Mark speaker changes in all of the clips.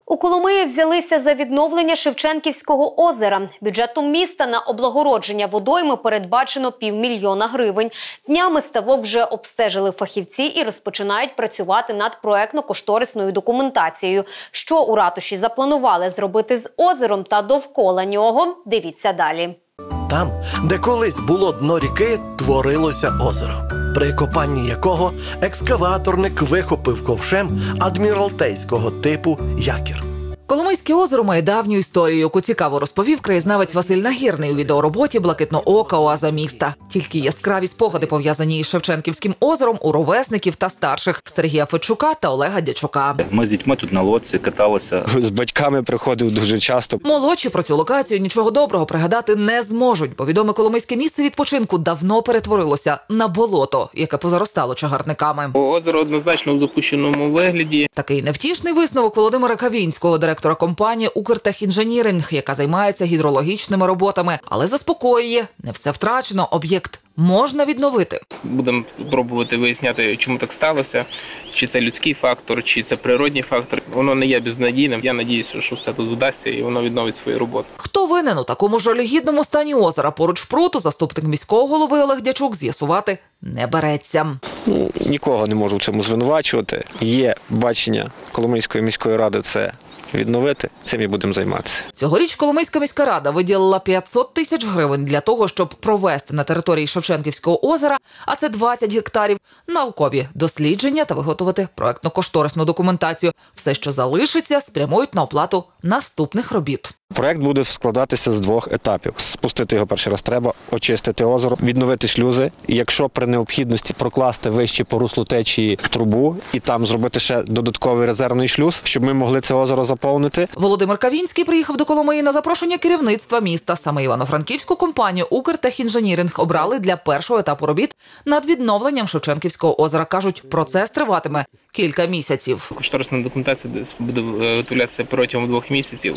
Speaker 1: У Коломиї взялися за відновлення Шевченківського озера. Бюджетом міста на облагородження водойми передбачено 500 000 гривень. Днями ставок вже обстежили фахівці і розпочинають працювати над проектно-кошторисною документацією. Що у ратуші запланували зробити з озером та довкола нього, дивіться далі.
Speaker 2: Там, де колись було дно ріки, творилося озеро, при копанні якого екскаваторник вихопив ковшем адміралтейського типу якір.
Speaker 3: Коломийське озеро має давню історію, яку цікаво розповів краєзнавець Василь Нагірний у відеороботі «Блакитноока. Оаза міста». Тільки яскраві спогади, пов'язані із Шевченківським озером, у ровесників та старших – Сергія Федчука та Олега Дячука.
Speaker 4: Ми з дітьми тут на лодці каталися.
Speaker 5: З батьками приходив дуже часто.
Speaker 3: Молодші про цю локацію нічого доброго пригадати не зможуть, бо відоме коломийське місце відпочинку давно перетворилося на болото, яке позаростало чагарниками.
Speaker 6: Озеро однозначно в запущеному вигляді.
Speaker 3: Такий невтішний висновок Володимира Кавінського, директора компанії «Укртехінженіринг», яка займається гідрологічними роботами. Але заспокоює, не все втрачено, об'єкт можна відновити.
Speaker 6: Будемо пробувати виясняти, чому так сталося, чи це людський фактор, чи це природній фактор. Воно не є безнадійним. Я сподіваюся, що все тут вдасться і воно відновить свою роботу.
Speaker 3: Хто винен у такому жалюгідному стані озера поруч пруту, заступник міського голови Олег Дячук з'ясувати не береться.
Speaker 5: Нікого не можу в цьому звинувачувати. Є бачення Коломийської міської ради – це відновити, цим і будемо займатися.
Speaker 3: Цьогоріч Коломийська міська рада виділила 500 000 гривень для того, щоб провести на території Шевченківського озера, а це 20 гектарів, наукові дослідження та виготовити проектно-кошторисну документацію. Все, що залишиться, спрямують на оплату наступних робіт.
Speaker 5: Проект буде складатися з 2 етапів. Спустити його перший раз треба, очистити озеро, відновити шлюзи. І якщо при необхідності прокласти вище по руслу течії трубу і там зробити ще додатковий резервний шлюз, щоб ми могли це озеро заповнити.
Speaker 3: Володимир Кавінський приїхав до Коломиї на запрошення керівництва міста. Саме івано-франківську компанію «Укртехінженіринг» обрали для першого етапу робіт над відновленням Шевченківського озера. Кажуть, процес триватиме кілька місяців.
Speaker 6: Кошторисна документація буде виготовлятися протягом 2 місяців.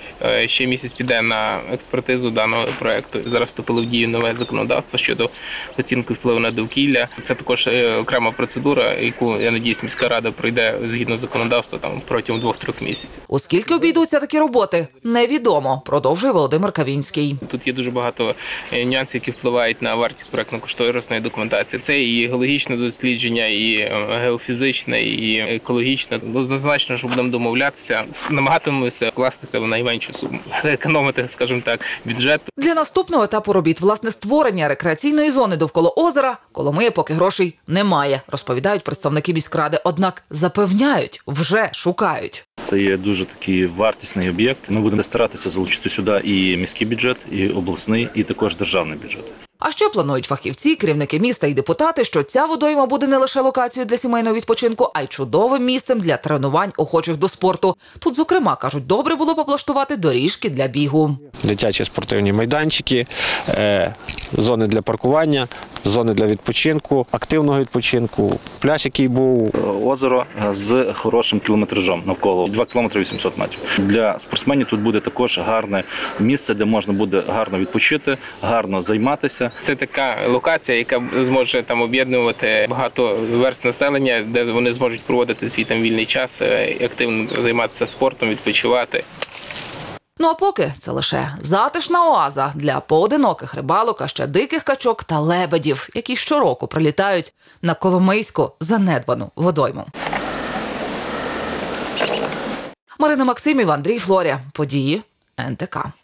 Speaker 6: Ще місяць піде на експертизу даного проєкту. Зараз вступило в дію нове законодавство щодо оцінки впливу на довкілля. Це також окрема процедура, яку, я сподіваюся, міська рада пройде згідно законодавства протягом 2-3 місяців.
Speaker 3: Оскільки обійдуться такі роботи, невідомо, продовжує Володимир Кавінський.
Speaker 6: Тут є дуже багато нюансів, які впливають на вартість проєктно-кошторисної документації. Це і геологічне дослідження, і геофізичне, і екологічне. Однозначно, що будемо домовлятися, намагатимемося вкластися в найменшу суму, економити, скажімо так, бюджет.
Speaker 3: Для наступного етапу робіт, власне, створення рекреаційної зони довкола озера, Коломия поки грошей немає, розповідають представники міськради. Однак запевняють, вже шукають.
Speaker 4: Це є дуже такий вартісний об'єкт. Ми будемо старатися залучити сюди і міський бюджет, і обласний, і також державний бюджет.
Speaker 3: А ще планують фахівці, керівники міста і депутати, що ця водойма буде не лише локацією для сімейного відпочинку, а й чудовим місцем для тренувань охочих до спорту. Тут, зокрема, кажуть, добре було б облаштувати доріжки для бігу.
Speaker 5: Дитячі спортивні майданчики, зони для паркування, зони для відпочинку, активного відпочинку, пляж, який був.
Speaker 4: Озеро з хорошим кілометражом навколо 2 кілометри 800 метрів. Для спортсменів тут буде також гарне місце, де можна буде гарно відпочити, гарно займатися.
Speaker 6: Це така локація, яка зможе там об'єднувати багато верств населення, де вони зможуть проводити свій там вільний час, активно займатися спортом, відпочивати.
Speaker 3: Ну а поки це лише затишна оаза для поодиноких рибалок, а ще диких качок та лебедів, які щороку прилітають на коломийську занедбану водойму. Марина Максимів, Андрій Флоря. Події НТК.